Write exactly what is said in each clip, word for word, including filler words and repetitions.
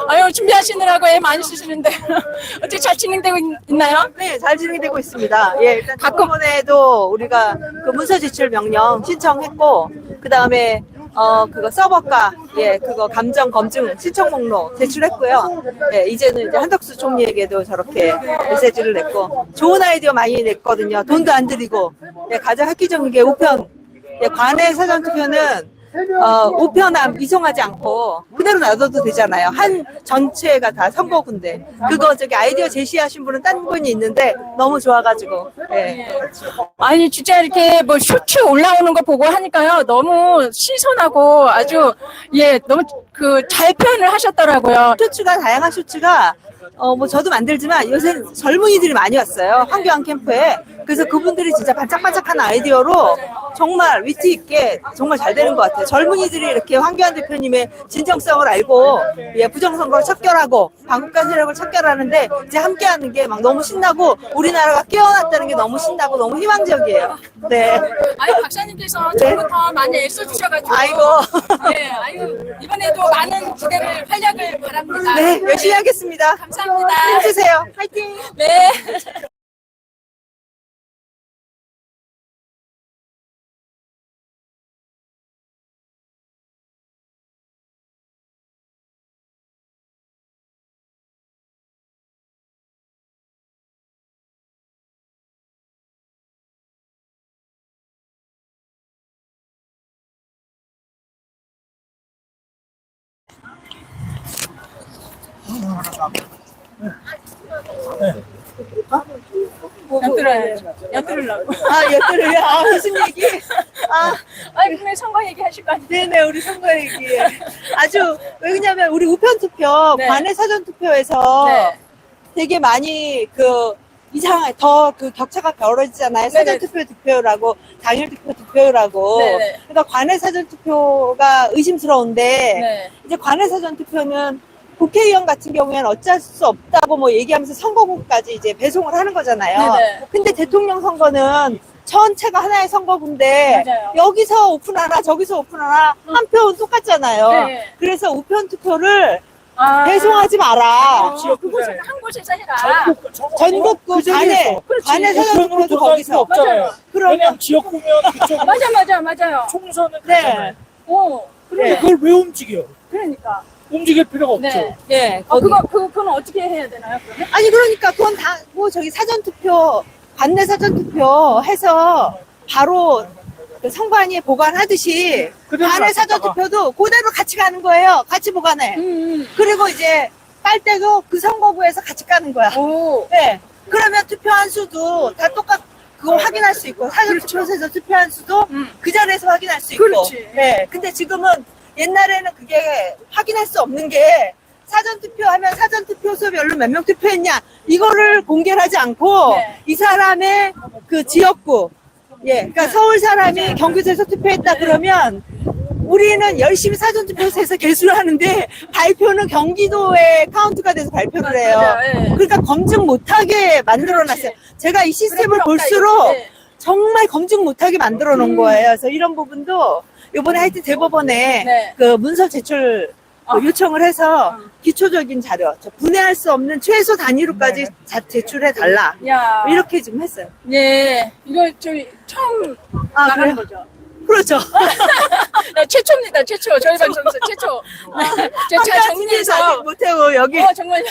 아유, 준비하시느라고 애 많이 쓰시는데. 어떻게 잘 진행되고 있, 있나요? 네, 잘 진행되고 있습니다. 예, 일단 가끔- 가끔에도 우리가 그 문서 제출 명령 신청했고, 그 다음에 어 그거 서버가 예 그거 감정 검증 신청 목록 제출했고요. 예, 이제는 이제 한덕수 총리에게도 저렇게 메시지를 냈고, 좋은 아이디어 많이 냈거든요. 돈도 안 들이고. 예, 가장 획기적인 게 우편. 예, 관내 사전 투표는 어, 우편함 이송하지 않고 그대로 놔둬도 되잖아요. 한 전체가 다 선거구인데, 그거 저기 아이디어 제시하신 분은 딴 분이 있는데 너무 좋아가지고. 예. 아니, 진짜 이렇게 뭐 쇼츠 올라오는 거 보고 하니까요. 너무 신선하고 아주, 예, 너무 그 잘 표현을 하셨더라고요. 쇼츠가 다양한 쇼츠가 어 뭐 저도 만들지만 요새 젊은이들이 많이 왔어요. 황교안 캠프에. 그래서 그분들이 진짜 반짝반짝한 아이디어로 정말 위트 있게 정말 잘 되는 것 같아요. 젊은이들이 이렇게 황교안 대표님의 진정성을 알고 예, 부정선거를 척결하고 반국가 세력을 척결하는데 이제 함께하는 게 막 너무 신나고, 우리나라가 깨어났다는 게 너무 신나고 너무 희망적이에요. 네. 아유, 박사님께서 처음부터 많이 애써주셔가지고. 아이고. 네, 아유, 이번에도 많은 기대를, 활약을 바랍니다. 네, 열심히 하겠습니다. 감사합니다. 힘주세요. 화이팅! 네. 엿들어야죠. 엿들으려고. 아, 여들을 아, 무슨 얘기? 아, 아니, 분명히 선거 얘기 하실 거 아니에요? 네네, 우리 선거 얘기. 아주, 왜냐면 우리 우편투표, 네. 관내 사전투표에서 네. 되게 많이 그, 이상한, 더 그 격차가 벌어지잖아요. 네네. 사전투표 득표율하고, 당일투표 득표율하고. 네네. 그러니까 관내 사전투표가 의심스러운데, 네. 이제 관내 사전투표는 국회의원 같은 경우에는 어쩔 수 없다고 뭐 얘기하면서 선거구까지 이제 배송을 하는 거잖아요. 네네. 근데 대통령 선거는 전체가 하나의 선거구인데, 맞아요. 여기서 오픈 하나 저기서 오픈 하나 한 표는 똑같잖아요. 네. 그래서 우편 투표를 아. 배송하지 마라. 어, 그곳에서 한 곳에서 해라. 전국구 관내 관내 사전 투표도 거기서. 없잖아요. 그러면 왜냐면 지역구면 그쪽 맞아, 맞아, 맞아요. 총선은 네. 그렇잖아요. 어, 근데 네. 그걸 왜 움직여? 그러니까. 움직일 필요가 없죠. 네. 예, 어, 거기. 그거, 그, 그건 어떻게 해야 되나요, 그러면? 아니 그러니까 그건 다 뭐 저기 사전 투표 관내 사전 투표 해서 바로 그 선관위에 보관하듯이 그대로 관내 사전 놨다가. 투표도 그대로 같이 가는 거예요. 같이 보관해. 음, 그리고 이제 빨 때도 그 선거구에서 같이 까는 거야. 음. 오. 네. 그러면 투표한 수도 다 똑같, 그거 확인할 수 있고, 사전 투표소에서 투표한 수도 음. 그 자리에서 확인할 수 있고. 그렇지. 네. 근데 지금은 옛날에는 그게 확인할 수 없는 게, 사전 투표하면 사전 투표소별로 몇 명 투표했냐, 이거를 공개를 하지 않고, 네. 이 사람의 그 지역구, 예, 그러니까 서울 사람이 경기도에서 투표했다 그러면, 우리는 열심히 사전투표소에서 개수를 하는데 발표는 경기도에 카운트가 돼서 발표를 해요. 맞아요, 예. 그러니까 검증 못하게 만들어놨어요. 제가 이 시스템을 그래, 필요 볼수록 없다, 이거. 정말 검증 못하게 만들어 놓은 음. 거예요. 그래서 이런 부분도 이번에 하여튼 대법원에 네. 그 문서 제출 그 어. 요청을 해서 어. 기초적인 자료, 저 분해할 수 없는 최소 단위로까지 자- 제출해 달라. 야. 이렇게 좀 했어요. 네. 이거 저희 처음 아, 나가는 그래요? 거죠. 그렇죠. 네, 최초입니다, 최초. 저희 방송에서 최초. 네. 제가 잘 정리해서. 못하고 여기 어, 정말요.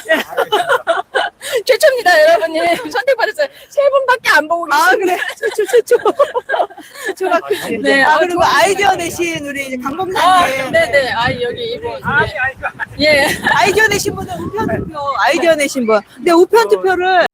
최초입니다, 여러분이. 선택받았어요. 세 분밖에 안 보고 계세요. 아 그래 최초 최초 최초가 크지. 네, 아 아, 그리고 좋아요. 아이디어 내신 우리 이제 아, 강범사님 네네. 아, 여기 이분. 아니, 아니, 그 예. 아이디어 내신 분은 우편 투표 아이디어 내신 분. 근데 우편 투표를